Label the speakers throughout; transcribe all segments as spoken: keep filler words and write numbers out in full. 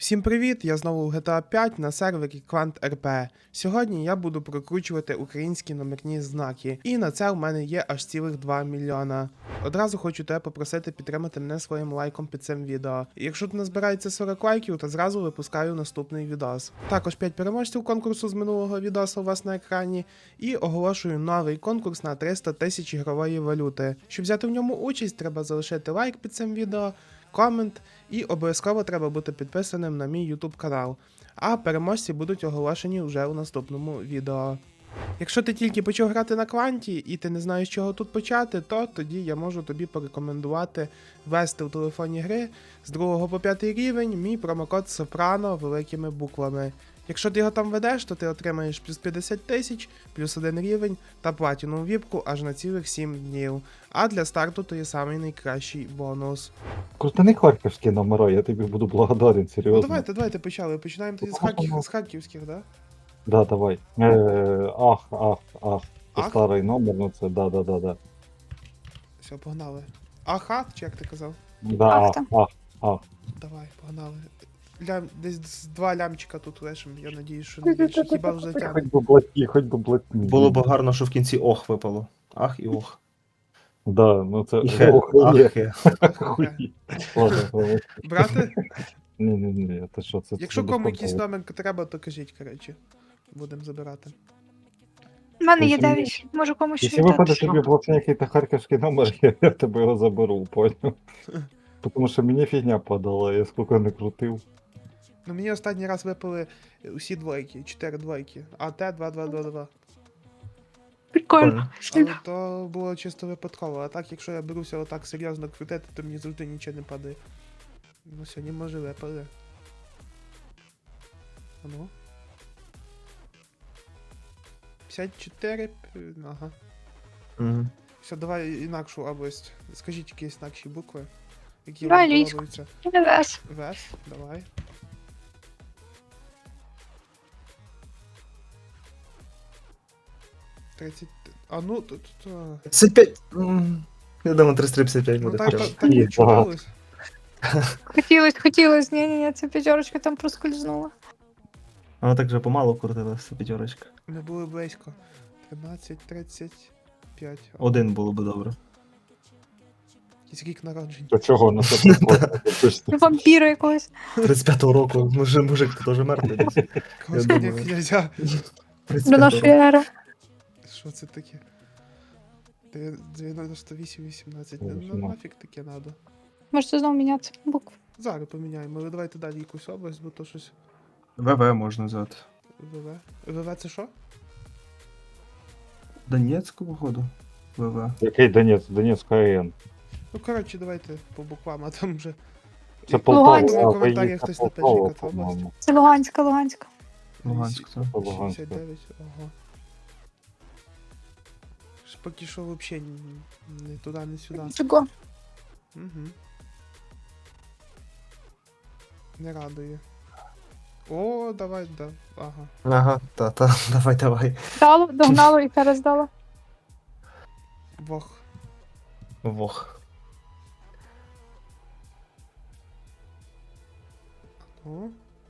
Speaker 1: Всім привіт! Я знову в джі ті ей п'ять на сервері QuantRP. Сьогодні я буду прокручувати українські номерні знаки, і на це у мене є аж цілих два мільйона. Одразу хочу тебе попросити підтримати мене своїм лайком під цим відео. І якщо тут назбирається сорок лайків, то зразу випускаю наступний відос. Також п'ять переможців конкурсу з минулого відоса у вас на екрані, і оголошую новий конкурс на триста тисяч ігрової валюти. Щоб взяти в ньому участь, треба залишити лайк під цим відео, комент, і обов'язково треба бути підписаним на мій YouTube канал. А переможці будуть оголошені вже у наступному відео. Якщо ти тільки почав грати на кванті і ти не знаєш, з чого тут почати, то тоді я можу тобі порекомендувати ввести в телефоні гри з другого по п'ятий рівень мій промокод Soprano великими буквами. Якщо ти його там ведеш, то ти отримаєш плюс п'ятдесят тисяч, плюс один рівень та платіну віпку аж на цілих сім днів. А для старту то є самий найкращий бонус.
Speaker 2: Крутини харківські номера, я тобі буду благодарен, серйозно.
Speaker 1: Ну давайте, давайте почали. Починаємо тоді з, Харків, з харківських, да?
Speaker 2: Да, давай. Е, ах, ах, ах. Це
Speaker 1: Ах?
Speaker 2: старий номер, ну це да, да, да, да.
Speaker 1: Все, погнали. Аха, чи як ти казав?
Speaker 2: Да, ах,
Speaker 3: Ахта.
Speaker 2: ах, ах.
Speaker 1: Давай, погнали. Лям, десь з два лямчика тут лишим, я надіюсь, що не більше. Хіба вже тягне.
Speaker 2: Хоч би блатні, хоч би блатні.
Speaker 4: Було б гарно, що в кінці ох випало. Ах і ох.
Speaker 2: Да, ну це...
Speaker 4: І хе.
Speaker 2: Ох,
Speaker 4: Ах,
Speaker 2: ні.
Speaker 4: хе.
Speaker 2: Хуй. Ладно, ладно.
Speaker 1: Брати,
Speaker 2: Ні, ні, ні, це що, це...
Speaker 1: якщо
Speaker 2: це
Speaker 1: кому
Speaker 2: безпонтово.
Speaker 1: якийсь номер треба, то кажіть, коротше. Будемо забирати.
Speaker 3: У мене є
Speaker 2: Якщо-
Speaker 3: дев'ять, можу комусь ще
Speaker 2: Якщо виходить
Speaker 3: віддати.
Speaker 2: тобі блатні якийсь харківський номер, я, я тебе його заберу, поняв? Тому що мені фігня падала, я скільки не крутив.
Speaker 1: Ну мені останній раз випали усі двойки, чотири двойки. АТ два два два два.
Speaker 3: Прикольно.
Speaker 1: Але то було чисто випадково, а так, якщо я беруся отак серйозно крутити, то мені завжди нічого не падає. Ну сьогодні може випаде. А ну. п'ятдесят чотири. п- Ага.
Speaker 4: Мгм.
Speaker 1: Все, давай інакшу область. Скажіть якісь інакші букви, які
Speaker 3: Давай
Speaker 1: вам
Speaker 3: львівську.
Speaker 1: подобаються.
Speaker 3: Вес.
Speaker 1: Вес, давай. тридцять. А ну тут. тут,
Speaker 4: п'ятдесят п'ять. М, Я думаю, триста п'ятдесят п'ять
Speaker 1: Ну
Speaker 4: буде.
Speaker 1: так,
Speaker 4: прямо.
Speaker 1: так, так
Speaker 2: Ні,
Speaker 1: і чудилось.
Speaker 3: Хотілось, хотілось. Ні, ні, ні, ця п'ятерочка там проскользнула.
Speaker 4: Вона так же помало крутилася, п'ятерочка.
Speaker 1: Ми були близько. тринадцять, тридцять п'ять.
Speaker 4: Один було би добре.
Speaker 1: Якийсь рік народження.
Speaker 2: До чого на це приходить?
Speaker 3: Вампіра якогось.
Speaker 4: тридцять п'ятого року, може, мужик теж мертвий десь.
Speaker 1: Когось
Speaker 4: Я
Speaker 1: коня
Speaker 4: думаю.
Speaker 1: князя.
Speaker 4: тридцять
Speaker 3: До
Speaker 4: п'ятого
Speaker 3: нашої
Speaker 4: року.
Speaker 3: ери.
Speaker 1: Що це таке? Де- дев'яносто вісім вісімнадцять. Ну
Speaker 2: Вісімнадцять.
Speaker 1: нафіг таке надо.
Speaker 3: Можете знову міняти букву.
Speaker 1: Зараз поміняємо, але давайте далі якусь область, бо то щось.
Speaker 4: ВВ можна взяти.
Speaker 1: ВВ. ВВ це що?
Speaker 4: Донецьку, походу. ВВ.
Speaker 2: Який Донець? Донецька АЕН.
Speaker 1: Ну коротше, давайте по буквам, а там вже.
Speaker 2: Це
Speaker 3: Луганськ.
Speaker 2: Полтава,
Speaker 1: В коментарях
Speaker 2: поїхав
Speaker 1: хтось напише,
Speaker 2: Полтава,
Speaker 1: яка це область.
Speaker 2: по-моєму.
Speaker 3: Це Луганська, Луганська.
Speaker 4: Луганськ, так.
Speaker 2: Луганськ.
Speaker 1: шістдесят дев'ять, ага. Ж Поки що взагалі не туди, не сюди.
Speaker 3: Чого?
Speaker 1: Угу. Не радує. О, давай, да. Ага.
Speaker 4: Ага, та, та, давай, давай.
Speaker 3: Дало, догнало і перездало.
Speaker 1: Бог.
Speaker 4: Вох.
Speaker 1: О,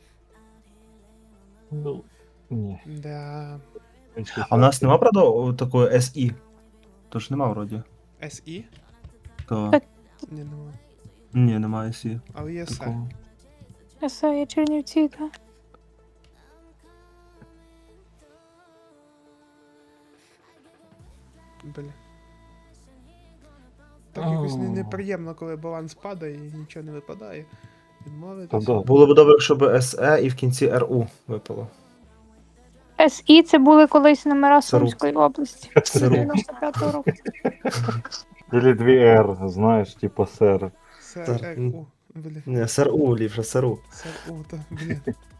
Speaker 2: Ну, ні.
Speaker 1: да.
Speaker 4: А в нас нема, правда, о, такої СІ? Тож нема вроді.
Speaker 1: СІ?
Speaker 4: То...
Speaker 3: Так.
Speaker 1: Ні, нема.
Speaker 4: Ні, немає СІ.
Speaker 1: Але є С.
Speaker 4: Такого.
Speaker 3: Все, є Чернівці, так.
Speaker 1: Бля. Так якось не- неприємно, коли баланс падає і нічого не випадає.
Speaker 2: Та
Speaker 1: Відмовитись.
Speaker 2: да.
Speaker 4: Було б добре, якщо СЕ і в кінці РУ випало.
Speaker 3: СІ це були колись номера
Speaker 4: Сару.
Speaker 3: Сумської області.
Speaker 4: Сару.
Speaker 3: дев'яносто п'ятого року.
Speaker 2: Или дві Р, знаєш, типа сер.
Speaker 1: С,
Speaker 4: Так,
Speaker 1: Р,
Speaker 4: м.
Speaker 1: У. Бля.
Speaker 4: Ні, СРУ, ліпше СРУ.
Speaker 1: С, У, та, бля.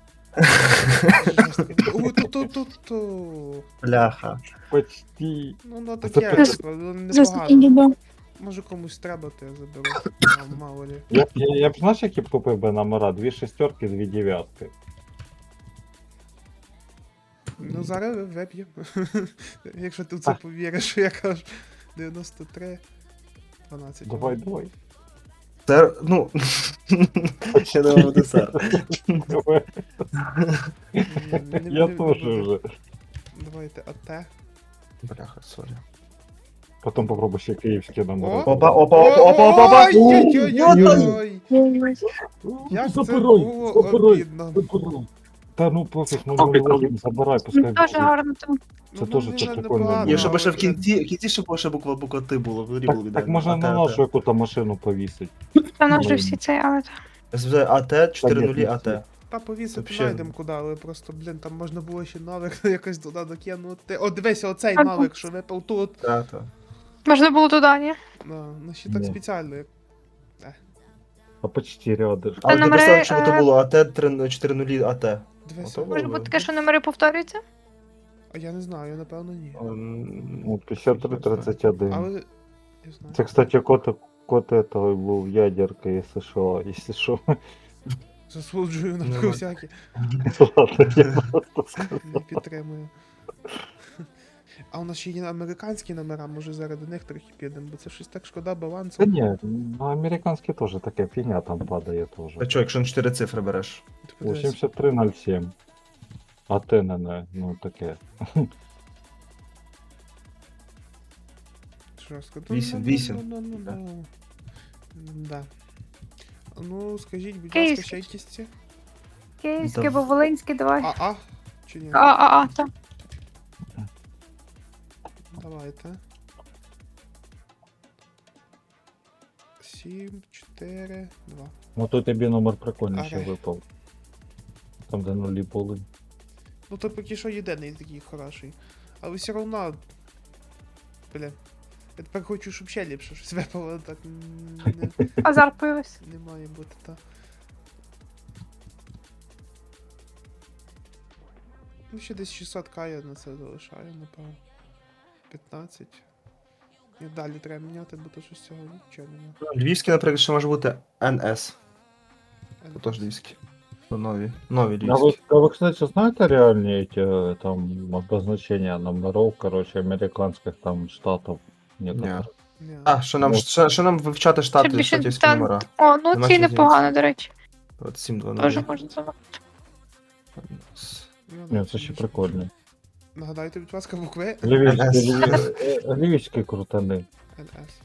Speaker 1: У, ту, ту, ту, ту.
Speaker 4: Бляха.
Speaker 2: Почти.
Speaker 1: Ну, ну
Speaker 2: Це
Speaker 1: таке,
Speaker 2: пи-
Speaker 1: типу, ну,
Speaker 3: Заскільки
Speaker 1: непогано.
Speaker 3: дідо.
Speaker 1: Може комусь треба, то я заберу. А, мало ли.
Speaker 2: Я, б- я, я б знаєш, які б купив би номера? Дві шестерки, дві дев'ятки.
Speaker 1: Ну, зараз вип'ємо. Якщо ти в це повіриш, що я кажу. дев'яносто три, дванадцять.
Speaker 2: Давай, давай.
Speaker 4: Це, ну. Ще не буде сер.
Speaker 2: Я теж вже.
Speaker 1: Давайте АТ.
Speaker 4: Бляха, сорі.
Speaker 2: Потім попробуй ще київські номери.
Speaker 1: О!
Speaker 4: Опа, опа, опа, опа, опа, опа!
Speaker 1: Ой-ой-ой-ой! Як це
Speaker 2: Забирай,
Speaker 1: було
Speaker 2: забирай.
Speaker 1: обідно.
Speaker 2: Та ну пофіг, ну ну, забирай, пускай.
Speaker 3: Дуже
Speaker 2: буде.
Speaker 3: гарно там.
Speaker 2: Це
Speaker 1: Ну,
Speaker 2: теж
Speaker 1: ну,
Speaker 2: це
Speaker 1: не-
Speaker 2: прикольно
Speaker 1: непогано,
Speaker 2: було.
Speaker 4: Ні, щоб ще в
Speaker 1: але-
Speaker 4: кінці, в кінці ще була ще буква буква Т було, взагалі було
Speaker 2: Так,
Speaker 4: ідеально.
Speaker 2: так можна на нашу яку-то машину повісити.
Speaker 3: Та наш же всі цей, але
Speaker 4: СВ АТ, чотири нулі
Speaker 2: Та
Speaker 4: АТ.
Speaker 1: Та повісити
Speaker 4: Вообще.
Speaker 1: знайдемо куди, але просто, блін, там можна було ще навик якось туди докинути. О, дивися, оцей
Speaker 3: Ага.
Speaker 1: навик, що випав тут.
Speaker 4: Так, так.
Speaker 3: можна було туди, ні?
Speaker 1: Ну, ну ще так
Speaker 2: Ні.
Speaker 1: спеціально. як-
Speaker 2: А почти рядом.
Speaker 4: Але
Speaker 3: номери,
Speaker 4: написали, якщо б то
Speaker 3: е,
Speaker 4: було АТ чотири нулі АТ.
Speaker 1: Дивися.
Speaker 4: Ото
Speaker 3: Може
Speaker 4: було.
Speaker 3: бути таке, що номери повторюються?
Speaker 1: А я не знаю, напевно ні.
Speaker 4: Ем,
Speaker 2: Ну, п'ятдесят три тридцять один.
Speaker 1: Але. Я знаю.
Speaker 2: Це, кстати, код, код этого був ядерка, якщо що, якщо що.
Speaker 1: Засуджую на
Speaker 4: Нормально.
Speaker 1: всякі.
Speaker 2: Ладно, я просто сказав.
Speaker 1: Не підтримую. А у нас ще є американські номера, може зараз до них трохи підемо, бо це щось так шкода балансу.
Speaker 2: Та ні, ну американські теж таке фігня там падає теж.
Speaker 4: А чо, якщо на чотири цифри береш?
Speaker 1: Ти подивись.
Speaker 2: вісімдесят три ноль сім. А те не, не, ну таке.
Speaker 1: Жорстко.
Speaker 4: Вісім,
Speaker 1: Ну,
Speaker 4: вісім.
Speaker 1: ну, ну, ну, ну. Да. Ну, скажіть, будь ласка,
Speaker 3: Київський.
Speaker 1: ще якісь ці?
Speaker 3: Київське,
Speaker 4: Да.
Speaker 3: або Волинське, давай.
Speaker 1: А, а? Чи ні?
Speaker 3: А, а, а, так.
Speaker 1: Давайте. Сім, чотири, два.
Speaker 2: Ну то тобі номер прикольний ще
Speaker 1: Ага.
Speaker 2: випав. Там де нулі були.
Speaker 1: Ну то поки що єдиний такий хороший. Але все одно. Бля. Я тепер хочу, щоб ще ліпше щось випало, так м, не,
Speaker 3: Азарт появився.
Speaker 1: не має бути, та. Ну ще десь шістсот к я на це залишаю, напевно. п'ятнадцять. І далі треба міняти, бо то щось цього нічого немає.
Speaker 4: Львівський, наприклад, ще може бути ен ес. Це теж львівський. Ну, нові. Нові
Speaker 2: А вы,
Speaker 4: львівські.
Speaker 2: а вы, кстати, знаете реальные эти э, там обозначения номеров, короче, американских там штатов? Некоторых?
Speaker 1: Ні.
Speaker 4: А, що нам,
Speaker 2: Ну.
Speaker 4: що, що нам вивчати штати,
Speaker 3: Ще більше
Speaker 4: штатівські
Speaker 3: та-
Speaker 4: номера?
Speaker 3: О, ну
Speaker 4: Нема
Speaker 3: ці
Speaker 4: що
Speaker 3: непогано, до речі.
Speaker 4: От сім два
Speaker 3: Теж
Speaker 4: нуль.
Speaker 3: можна забрати.
Speaker 1: Ну,
Speaker 2: Ні,
Speaker 1: да,
Speaker 2: це ще
Speaker 1: більше.
Speaker 2: прикольно.
Speaker 1: Нагадайте, будь ласка, букви
Speaker 2: Львівські, львів- львівські крутани.
Speaker 1: ен ес.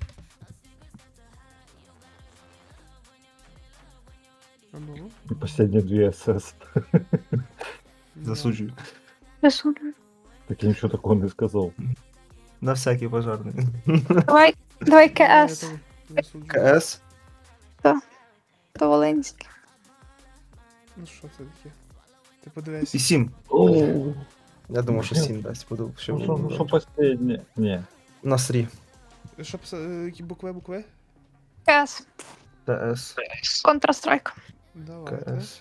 Speaker 1: А ну?
Speaker 2: І Последні дві ес-ес.
Speaker 1: Ні.
Speaker 4: Засуджую.
Speaker 3: Засуджую.
Speaker 2: Так я нічого такого не сказав.
Speaker 4: На всякий пожарний.
Speaker 3: Давай, давай
Speaker 1: Ні, я
Speaker 3: КС.
Speaker 1: теж засуджую.
Speaker 4: КС.
Speaker 3: То Волинське.
Speaker 1: Ну що це таке? Ти подивись.
Speaker 4: І сім.
Speaker 2: Ну,
Speaker 4: Я думав, що сім дасть. Буду, що
Speaker 2: що, ну, що последнє? Ні.
Speaker 4: На срі.
Speaker 1: Що писати? Які букви, букви?
Speaker 3: КС.
Speaker 4: ТС.
Speaker 3: Контрастрайк.
Speaker 1: Давайте.
Speaker 4: КС.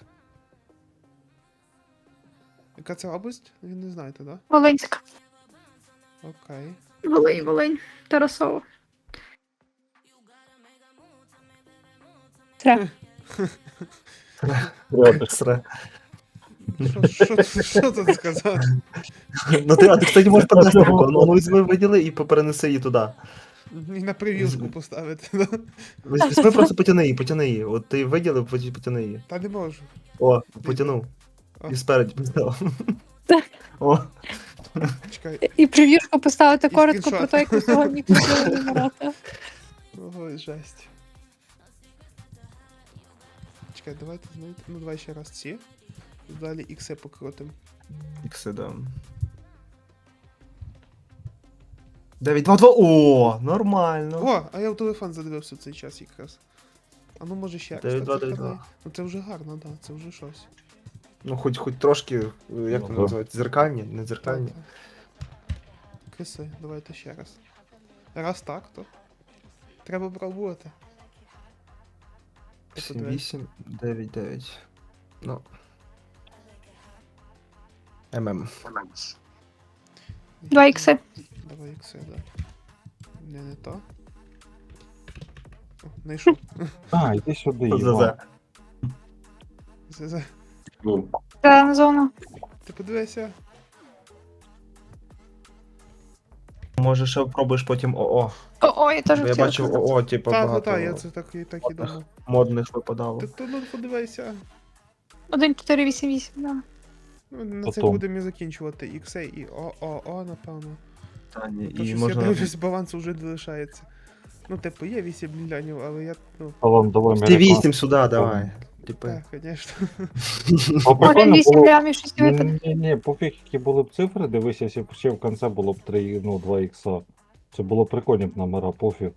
Speaker 1: Яка це область? Ви не знаєте, да?
Speaker 3: Волинська.
Speaker 1: Окей.
Speaker 3: Волинь, Волинь. Тарасово. Тре.
Speaker 2: Рядом.
Speaker 4: Сре.
Speaker 1: Що, що, що тут сказати?
Speaker 4: Ну ти, а ти, кстати, можеш подати таку. Ну, ну візьми, виділи і перенеси її туди.
Speaker 1: І на прев'юшку поставити, да?
Speaker 4: Візь- Візьми просто потяни її, потяни її. От ти виділив, потім потяни її.
Speaker 1: Та не можу.
Speaker 4: О, потянув.
Speaker 1: О.
Speaker 4: І спереді поставив.
Speaker 3: Так.
Speaker 4: О,
Speaker 1: Чекай.
Speaker 3: І прев'юшку поставити
Speaker 1: І
Speaker 3: коротко
Speaker 1: скріншот.
Speaker 3: про те, як ми сьогодні хотіли вибирати.
Speaker 1: Ой, жесть. Чекай, давайте знаєте. Ну давай ще раз ці. Далі ікси покрутим.
Speaker 4: ікси, да. дев'ять два два. О, нормально.
Speaker 1: О, а я в телефон задивився цей час якраз. А ну може ще раз.
Speaker 4: дев'ять
Speaker 1: так
Speaker 4: два дев'ять
Speaker 1: западає.
Speaker 4: два.
Speaker 1: Ну це вже гарно, да, це вже щось.
Speaker 4: Ну, хоч, хоч трошки, е, як
Speaker 1: Ну,
Speaker 4: вони
Speaker 2: да.
Speaker 4: називають, дзеркальні, не дзеркальні.
Speaker 1: Так, так. Киси, давайте ще раз. Раз так, то. Треба пробувати.
Speaker 4: сім вісім дев'ять дев'ять. Ну. ММ.
Speaker 3: Два ікси.
Speaker 1: Давай ікси, да. Не, не то. О, знайшов.
Speaker 2: А, йди сюди,
Speaker 4: ЗЗ.
Speaker 2: Іван.
Speaker 1: Це- це-
Speaker 3: Зелена зона.
Speaker 1: Ти подивися.
Speaker 4: Може ще пробуєш потім ОО.
Speaker 3: О, О, я теж
Speaker 4: Бо я
Speaker 3: хотіла
Speaker 4: бачив
Speaker 3: сказати.
Speaker 4: ОО, типу,
Speaker 1: Так,
Speaker 4: багато
Speaker 1: так, я це так, і так і
Speaker 4: модних.
Speaker 1: думав.
Speaker 4: модних випадало.
Speaker 1: Ти то ну подивися.
Speaker 3: один чотири вісім вісім, да.
Speaker 1: Ну, на це
Speaker 2: Потом.
Speaker 1: будемо і закінчувати. Іксей і ООО, напевно.
Speaker 4: Та, ні,
Speaker 1: То
Speaker 4: і
Speaker 1: щось
Speaker 4: можна...
Speaker 1: я дивлюсь, балансу вже не лишається. Ну, типу, є вісім мільйонів, але я, ну,
Speaker 2: Алан, давай
Speaker 4: Ти
Speaker 2: американський.
Speaker 4: вісім сюди, давай. Типи.
Speaker 1: так, звісно.
Speaker 2: А
Speaker 3: Один
Speaker 2: прикольно
Speaker 3: вісім
Speaker 2: було.
Speaker 3: лямів щось випаде.
Speaker 2: Ні, ні, ні, пофіг, які були б цифри, дивися, якщо б ще в кінці було б три, ну, два ікса. Це було прикольні б номера, пофіг.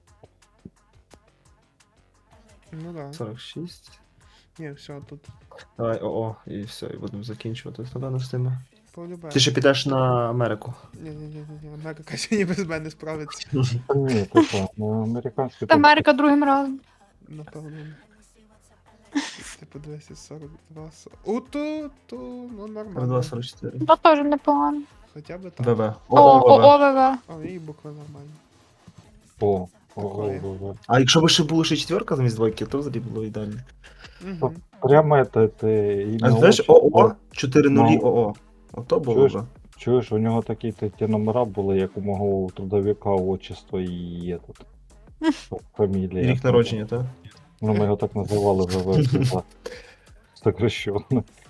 Speaker 1: Ну да.
Speaker 4: сорок шість.
Speaker 1: Ні, все, тут
Speaker 4: Давай ОО, і все, і будемо закінчувати. Напевно, з тими.
Speaker 1: полюбаю.
Speaker 4: Ти ще підеш на Америку.
Speaker 1: Ні, ні, ні, ні, Америка сьогодні без мене справиться.
Speaker 2: Та ні, ти що, ну, американський
Speaker 3: Америка другим разом.
Speaker 1: Напевно. Ти подивися, сорок два. У, то, то, ну нормально.
Speaker 4: два сорок чотири.
Speaker 3: Ну, теж непогано.
Speaker 1: Хоча б так.
Speaker 4: ВВ.
Speaker 3: О,
Speaker 4: ОО,
Speaker 3: о,
Speaker 4: ВВ.
Speaker 3: о, ВВ.
Speaker 1: О, і буква нормальна.
Speaker 2: О, о,
Speaker 1: Такое.
Speaker 2: о, о, о.
Speaker 4: А якщо б ще було ще четверка замість двойки, то взагалі було ідеально.
Speaker 1: Угу.
Speaker 2: Прямо это, это ім'я.
Speaker 4: А знаєш,
Speaker 2: отчество.
Speaker 4: ОО, чотири нулі
Speaker 2: Ну.
Speaker 4: ОО. Ото було
Speaker 2: Чуєш?
Speaker 4: б.
Speaker 2: Чуєш, у нього такі ті, ті номера були, як у мого трудовика, отчество і этот. Фамілія.
Speaker 4: І рік народження, так?
Speaker 2: Ну, ми його так називали вже в сокращенно.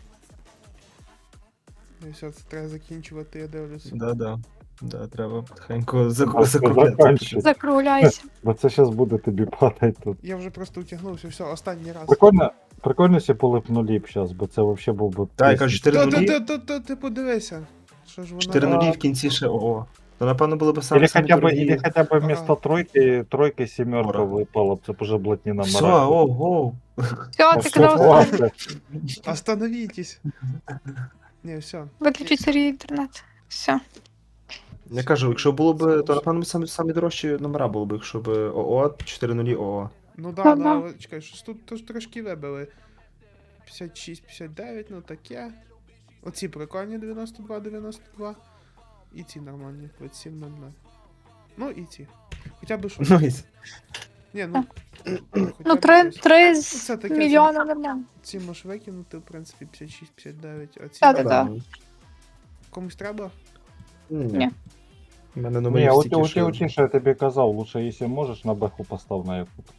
Speaker 1: І все, це треба закінчувати, я дивлюсь.
Speaker 4: Да, да. Да, треба потихеньку
Speaker 2: Так,
Speaker 4: заку-
Speaker 2: це
Speaker 4: закругляти.
Speaker 2: заканчуй.
Speaker 3: Закругляйся.
Speaker 2: Бо це зараз буде тобі падати тут.
Speaker 1: Я вже просто утягнувся, все, останній раз.
Speaker 2: Прикольно, прикольно, якщо були б нулі б зараз, бо це взагалі був би.
Speaker 4: Так, я кажу, чотири
Speaker 1: Та,
Speaker 4: нулі.
Speaker 1: та, та, та, ти подивися. Що ж
Speaker 4: чотири
Speaker 1: вона...
Speaker 4: нулі в кінці ще ОО. То напевно було б саме
Speaker 2: Или
Speaker 4: саме
Speaker 2: хотя бы,
Speaker 4: дорогі.
Speaker 2: или хотя бы вместо
Speaker 1: Ага.
Speaker 2: тройки, тройки семерка
Speaker 4: Ора.
Speaker 2: выпала, б, це б уже блатні номера.
Speaker 4: Все, ого.
Speaker 3: Все,
Speaker 2: Ну,
Speaker 3: ти
Speaker 2: що,
Speaker 3: казав,
Speaker 2: ладно.
Speaker 1: Остановітесь. Не, все.
Speaker 3: виключить Сергій інтернет. Все.
Speaker 4: Я кажу, якщо було б, то напевно самі, самі дорожчі номера було б, якщо б ОО, чотири нулі ОО.
Speaker 1: Ну да,
Speaker 3: Ну,
Speaker 1: да,
Speaker 3: да.
Speaker 1: але чекай, щось тут тож трошки вибили. п'ятдесят шість, п'ятдесят дев'ять, ну таке. Оці прикольні дев'яносто два, дев'яносто два. І ці нормальні, двадцять сім нуль нуль. Ну і ці. Хоча б щось.
Speaker 4: Ну, і
Speaker 1: Ні, ну.
Speaker 3: Ну,
Speaker 1: хоча б
Speaker 3: три,
Speaker 1: щось.
Speaker 3: три
Speaker 1: Ну,
Speaker 3: з
Speaker 1: це таке,
Speaker 3: мільйона нормально.
Speaker 1: Ці можеш викинути, в принципі, п'ятдесят шість, п'ятдесят дев'ять, а ці
Speaker 3: Так, так, так.
Speaker 1: комусь треба?
Speaker 4: Ні. У мене
Speaker 2: Не,
Speaker 4: номерів
Speaker 2: у,
Speaker 4: стільки,
Speaker 2: у,
Speaker 4: що...
Speaker 2: у, тише я тобі казав, лучше, якщо можеш, на беху постав на яку.